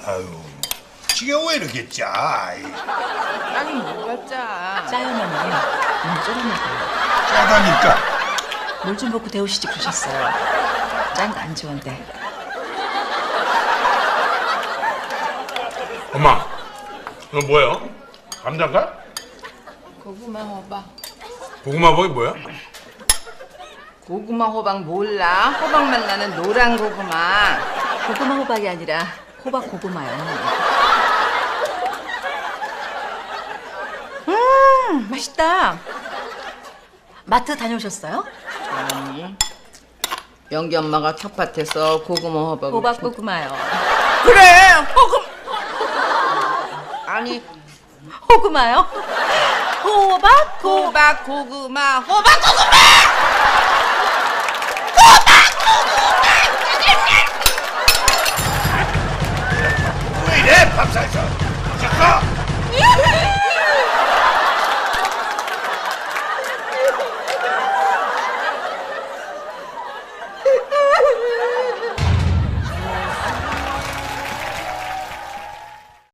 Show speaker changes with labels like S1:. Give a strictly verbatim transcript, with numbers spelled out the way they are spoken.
S1: 아유, 지금 왜 이렇게 짜? 이,
S2: 짜긴 뭐가 짜?
S3: 짜요면은 너무 쫄아먹어요.
S1: 짜다니까.
S3: 물 좀 붓고 데우시지 그러셨어요. 짠 거 안 좋은데.
S4: 엄마, 이거 뭐예요? 감자인가?
S2: 고구마 호박.
S4: 고구마 버이 뭐야?
S2: 고구마 호박 몰라? 호박맛 나는 노란 고구마.
S3: 고구마 호박이 아니라 호박 고구마요. 음, 맛있다. 마트 다녀오셨어요?
S2: 아니. 영기 엄마가 텃밭에서 고구마 호박을
S3: 호박
S2: 키-
S3: 고구마요.
S2: 그래 호구 아니
S3: 호구마요? 호박 고
S2: 호박 고구마 호박 고구마
S1: 왜 이래, 밥살사?